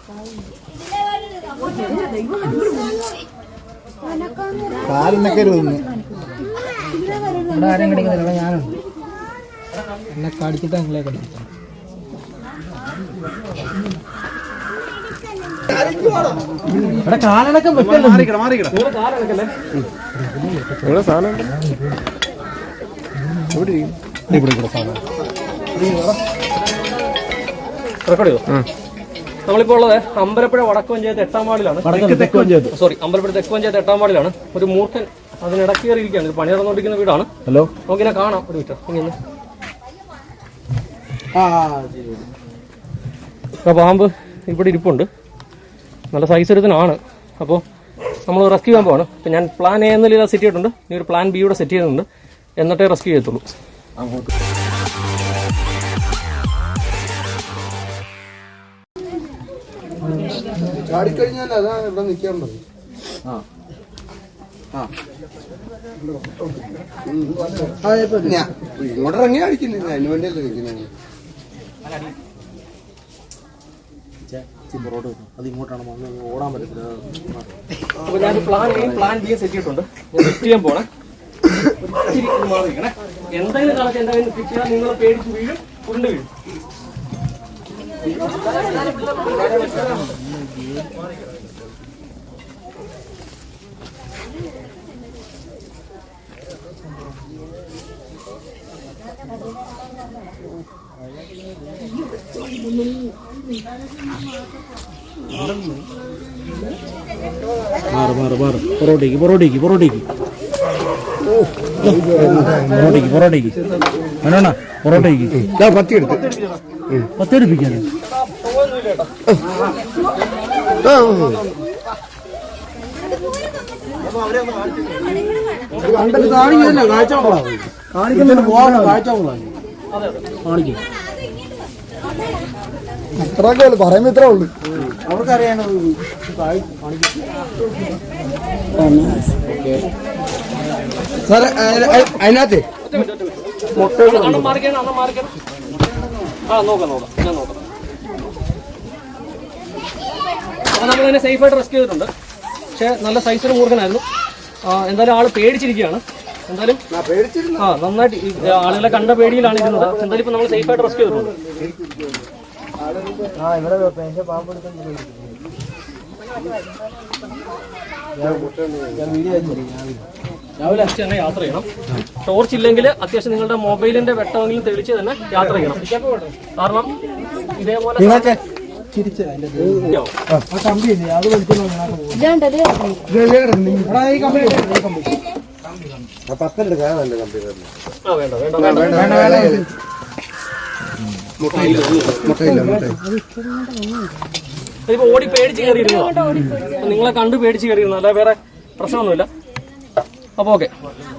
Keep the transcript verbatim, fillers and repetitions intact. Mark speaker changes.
Speaker 1: കാലിനൊക്കെ ആരും കടിക്കുന്നില്ല, ഞാനുണ്ട്. എന്നെ കടിച്ചിട്ട് നിങ്ങളെ കടിപ്പിച്ചു. ഇവിടെ കാലണക്കം വെക്കല്ലേ,
Speaker 2: നമ്മളിപ്പോ ഉള്ളത് അമ്പലപ്പുഴ വടക്ക് പഞ്ചായത്ത് എട്ടാം വാർഡിലാണ്. സോറി, അമ്പലപ്പുഴ തെക്ക് പഞ്ചായത്ത് എട്ടാം വാർഡിലാണ്. ഒരു മൂർഖൻ അതിനിടക്ക് കയറിയിരിക്കുകയാണ്. പണി നടന്നുകൊണ്ടിരിക്കുന്ന വീടാണ്. ഹലോ, നമുക്കിനെ കാണാം. ഒരു മീറ്റർ ഇങ്ങനെ പാമ്പ് ഇവിടെ ഇരിപ്പുണ്ട്. നല്ല സൈസ് എടുത്തനാണ്. അപ്പോൾ നമ്മൾ റെസ്ക്യൂ ചെയ്യാൻ പോവാണ്. അപ്പം ഞാൻ പ്ലാൻ എ എന്നതിൽ സെറ്റ് ചെയ്തിട്ടുണ്ട്. ഇനി ഒരു പ്ലാൻ ബി കൂടെ സെറ്റ് ചെയ്യുന്നുണ്ട്. എന്നിട്ടേ റെസ്ക്യൂ ചെയ്യത്തുള്ളൂ.
Speaker 3: ചാടിക്കഴിഞ്ഞാൽ അതാണ് ഇവിടെ നിൽക്കേണ്ടത്. ഇങ്ങോട്ട് ഇറങ്ങി അടിക്കുന്നില്ല, അതിന് വേണ്ടിയല്ലേ നിൽക്കുന്നത്.
Speaker 1: അത് ഇങ്ങോട്ടാണ് ഓടാൻ പറ്റത്തില്ല.
Speaker 2: അപ്പോൾ ഞാൻ plan A plan B set ചെയ്തിട്ടുണ്ട്. സെറ്റ് ചെയ്യാൻ പോണേ. എന്തെങ്കിലും കണക്ക് എന്തെങ്കിലും ഫിക്സ് ചെയ്താൽ നിങ്ങൾ പേടിച്ച് വീഴും, ഉരുണ്ട് വീഴും.
Speaker 1: മാറ് മാറ് മാറ് പൊറോട്ടയ്ക്ക് പൊറോട്ടയ്ക്ക് പൊറോട്ടയ്ക്ക് പൊറോട്ടയ്ക്ക് പൊറോട്ടയ്ക്ക് വേണോണ പൊറോട്ടയ്ക്ക്
Speaker 3: പത്തി എടുത്ത്
Speaker 1: പത്തെടുപ്പിക്കാന് കാണിക്കുന്നില്ല. കാഴ്ചകളാണ് കാണിക്കുന്നില്ല. പോകാനുള്ള കാഴ്ചകളാണ് കാണിക്കും.
Speaker 3: അത്രയൊക്കെ ഉള്ളു, പറയുമ്പോ ഇത്രേ ഉള്ളു.
Speaker 1: അവർക്കറിയാനോ
Speaker 3: സാറേ അതിനകത്ത്
Speaker 2: അണ്ണം മാറിക്കണം, അണ്ണം മാറിക്കണം. ആ നോക്കാം നോക്കാം ഞാൻ നോക്കാം. അപ്പോൾ നമ്മളിതിനെ സേഫായിട്ട് റെസ്ക്യൂ ചെയ്തിട്ടുണ്ട്. പക്ഷേ നല്ല സൈസിന് മൂർഖനായിരുന്നു. എന്തായാലും ആള് പേടിച്ചിരിക്കുകയാണ്. എന്തായാലും ആ നന്നായിട്ട് ആളുകളെ കണ്ട പേടിയിലാണ് ഇരുന്നത്. എന്തായാലും ഇപ്പൊ നമ്മൾ സേഫായിട്ട് റെസ്ക്യൂ ചെയ്തിട്ടുണ്ട്. രാവിലെ തന്നെ യാത്ര ചെയ്യണം. ടോർച്ച് ഇല്ലെങ്കിൽ അത്യാവശ്യം നിങ്ങളുടെ മൊബൈലിന്റെ വെട്ടമെങ്കിലും തെളിച്ച് തന്നെ യാത്ര ചെയ്യണം. കാരണം ഇതേപോലെ ഇതിപ്പോ ഓടി പേടിച്ച് കയറിയിരുന്നു. നിങ്ങളെ കണ്ട് പേടിച്ച് കയറിയിരുന്നു, അല്ല വേറെ പ്രശ്നമൊന്നുമില്ല. അപ്പൊ ഓക്കെ.